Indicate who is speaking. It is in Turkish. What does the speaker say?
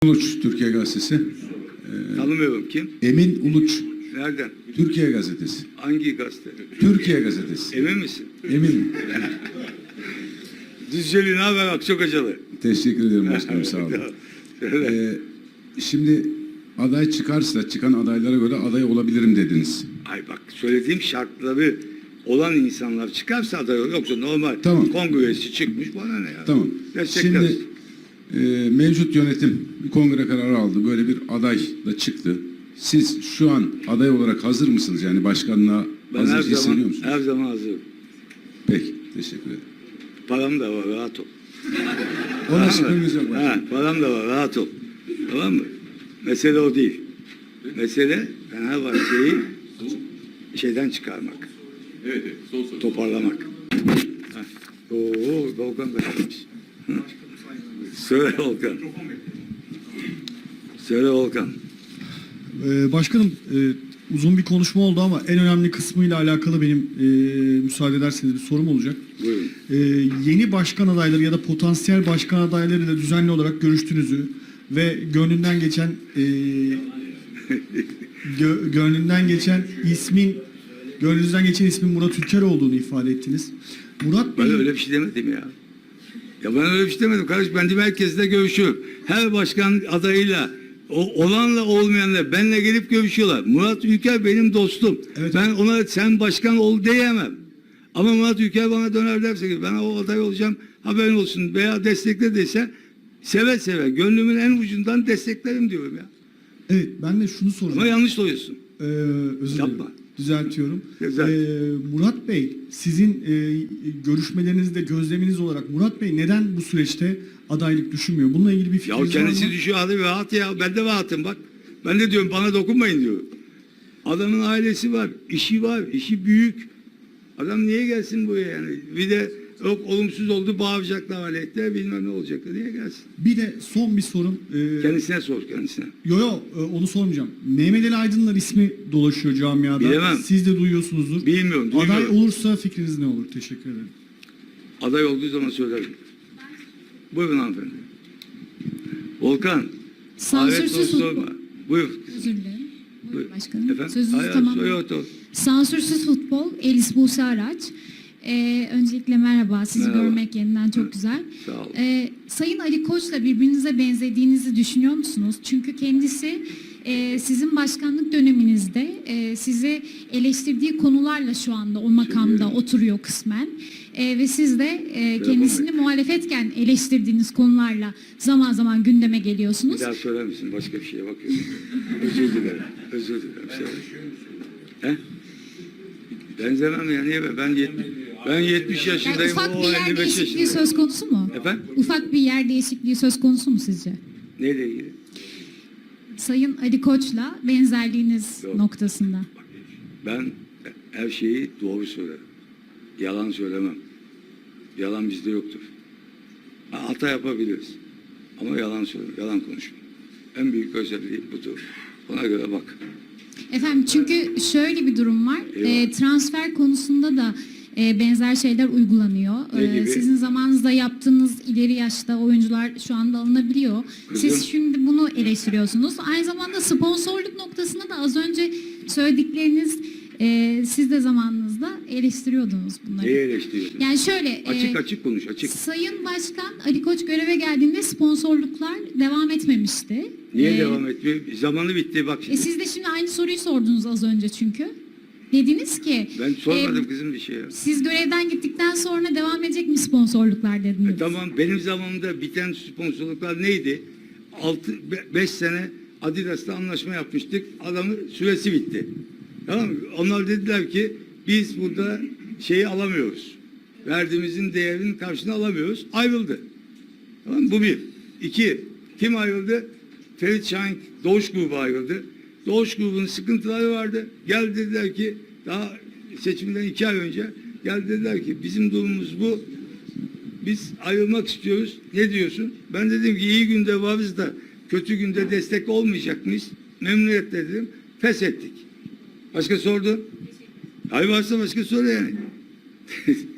Speaker 1: Uluç, Türkiye Gazetesi.
Speaker 2: Tanımıyorum, kim?
Speaker 1: Emin Uluç,
Speaker 2: Nereden?
Speaker 1: Türkiye Gazetesi.
Speaker 2: Hangi gazete?
Speaker 1: Türkiye Gazetesi.
Speaker 2: Emin misin?
Speaker 1: Eminim.
Speaker 2: Düzceli ne haber Akçakocalı?
Speaker 1: Teşekkür ederim başkanım, sağ olun. Şimdi aday çıkarsa, çıkan adaylara göre aday olabilirim dediniz.
Speaker 2: Ay bak, söylediğim şartları olan insanlar çıkarsa aday olur. Yoksa normal
Speaker 1: Tamam.
Speaker 2: kongresi çıkmış, bana ne ya?
Speaker 1: Tamam.
Speaker 2: Destekleriz.
Speaker 1: Şimdi mevcut yönetim bir kongre kararı aldı. Böyle bir aday da çıktı. Siz şu an aday olarak hazır mısınız? Yani başkanlığa
Speaker 2: Ben
Speaker 1: hazır hissediyor musunuz?
Speaker 2: her zaman hazırım.
Speaker 1: Peki, teşekkür ederim.
Speaker 2: Param da var, rahat ol.
Speaker 1: Ona şüphemiz yok başkanım.
Speaker 2: Ha, param da var, rahat ol. Tamam mı? Mesele o değil. Mesele Fenerbahçe'yi şeyden çıkarmak.
Speaker 3: Evet, son soru.
Speaker 2: Toparlamak. Oo, Volkan da gelmiş. Söyle Volkan. Söyle Volkan.
Speaker 4: Başkanım, uzun bir konuşma oldu ama en önemli kısmıyla alakalı benim müsaade ederseniz bir sorum olacak.
Speaker 2: Buyurun.
Speaker 4: Yeni başkan adayları ya da potansiyel başkan adaylarıyla düzenli olarak görüştüğünüzü ve gönlünden geçen ismin Murat Ülker olduğunu ifade ettiniz. Murat Bey,
Speaker 2: Ben öyle bir şey demedim ya. Ya ben öyle bir şey demedim kardeş. Ben de herkesle görüşüyorum. Her başkan adayıyla, olanla olmayanla benimle gelip görüşüyorlar. Murat Ülker benim dostum.
Speaker 4: Evet.
Speaker 2: Ben ona sen başkan ol diyemem. Ama Murat Ülker bana döner derse ki ben o aday olacağım, haberin olsun veya destekle dese seve seve gönlümün en ucundan desteklerim diyorum ya.
Speaker 4: evet, ben de şunu soracağım.
Speaker 2: Ama yanlış oluyorsun.
Speaker 4: Özür dilerim.
Speaker 2: Yapma.
Speaker 4: Düzeltiyorum.
Speaker 2: Güzel.
Speaker 4: Murat Bey, sizin görüşmelerinizde gözleminiz olarak Murat Bey neden bu süreçte adaylık düşünmüyor? Bununla ilgili bir
Speaker 2: Ya
Speaker 4: fikriniz var mı?
Speaker 2: kendisi düşüyor hadi rahat ya. Ben de rahatım bak. Ben de diyorum bana dokunmayın diyorum. Adamın ailesi var, işi var, işi büyük. Adam niye gelsin buraya yani? Bir de yok olumsuz oldu bağıracaklar aleyhte bilmem ne olacaktı. Niye gelsin?
Speaker 4: Bir de son bir sorum.
Speaker 2: Kendisine sor kendisine.
Speaker 4: Onu sormayacağım. Mehmet Ali Aydınlar ismi dolaşıyor camiada.
Speaker 2: Bilemem.
Speaker 4: Siz de duyuyorsunuzdur.
Speaker 2: Bilmiyorum, duymuyorum.
Speaker 4: Aday olursa fikriniz ne olur? Teşekkür ederim.
Speaker 2: Aday olduğu zaman söylerim. Buyurun hanımefendi. Volkan.
Speaker 5: Sansürsüz
Speaker 2: sorma.
Speaker 5: futbol.
Speaker 2: Buyur.
Speaker 5: Özür dilerim.
Speaker 2: Buyur.
Speaker 5: Buyurun başkanım.
Speaker 2: Efendim?
Speaker 5: Sözünüzü
Speaker 2: Hayır,
Speaker 5: tamamlayın. Sansürsüz futbol. Elis Buse Araç. Öncelikle merhaba. Sizi
Speaker 2: Merhaba.
Speaker 5: görmek yeniden çok güzel.
Speaker 2: Sağ olun.
Speaker 5: Sayın Ali Koç'la birbirinize benzediğinizi düşünüyor musunuz? Çünkü kendisi sizin başkanlık döneminizde sizi eleştirdiği konularla şu anda o makamda oturuyor kısmen. Ve siz de kendisini muhalefetken eleştirdiğiniz konularla zaman zaman gündeme
Speaker 2: Bir
Speaker 5: geliyorsunuz.
Speaker 2: daha söyler misin? Başka bir şeye bakıyorum. Özür dilerim. Özür dilerim. He? Benzemem ya. Niye be? Ben 70
Speaker 5: Yani
Speaker 2: yaşındayım.
Speaker 5: ufak
Speaker 2: O
Speaker 5: bir yer
Speaker 2: 55
Speaker 5: değişikliği
Speaker 2: yaşında.
Speaker 5: söz konusu mu?
Speaker 2: Efendim?
Speaker 5: Ufak bir yer değişikliği söz konusu mu sizce?
Speaker 2: Neyle ilgili?
Speaker 5: Sayın Ali Koç'la benzerliğiniz
Speaker 2: Yok.
Speaker 5: noktasında.
Speaker 2: Ben her şeyi doğru söylerim. Yalan söylemem. Yalan bizde yoktur. Hata yapabiliriz. Ama yalan söylemem. Yalan konuşmam. En büyük özelliği budur. Ona göre bak.
Speaker 5: Efendim çünkü şöyle bir durum var.
Speaker 2: Eyvah.
Speaker 5: Transfer konusunda da benzer şeyler uygulanıyor.
Speaker 2: Ne gibi?
Speaker 5: Sizin zamanınızda yaptığınız ileri yaşta oyuncular şu anda alınabiliyor.
Speaker 2: Kızım.
Speaker 5: Siz şimdi bunu eleştiriyorsunuz. Aynı zamanda sponsorluk noktasında da az önce söyledikleriniz siz de zamanınızda eleştiriyordunuz bunları.
Speaker 2: Neyi eleştiriyorsun?
Speaker 5: Yani şöyle
Speaker 2: Açık konuş. Açık.
Speaker 5: Sayın Başkan Ali Koç göreve geldiğinde sponsorluklar devam etmemişti.
Speaker 2: Niye devam etmiyor? Zamanı bitti bak şimdi.
Speaker 5: Siz de şimdi aynı soruyu sordunuz az önce çünkü. Dediniz ki
Speaker 2: Ben sormadım kızım bir şey ya.
Speaker 5: siz görevden gittikten sonra devam edecek mi sponsorluklar dediniz.
Speaker 2: Tamam benim zamanımda biten sponsorluklar neydi? 5 sene Adidas'la anlaşma yapmıştık. Adamın süresi bitti. Tamam mı? Onlar dediler ki biz burada şeyi alamıyoruz. Verdiğimizin değerinin karşılığını alamıyoruz. Ayrıldı. Tamam mı? Bu bir. İki. Kim ayrıldı? Ferit Şahin Doğuş grubu ayrıldı. Doğuş grubunun sıkıntıları vardı. Geldi dediler ki daha seçimden 2 ay önce geldi dediler ki bizim durumumuz bu. Biz ayrılmak istiyoruz. Ne diyorsun? Ben dedim ki iyi günde varız da kötü günde destek olmayacak mıyız? Memnuniyetle dedim. Pes ettik. Başka sordu? Hayır varsa başka soru yani.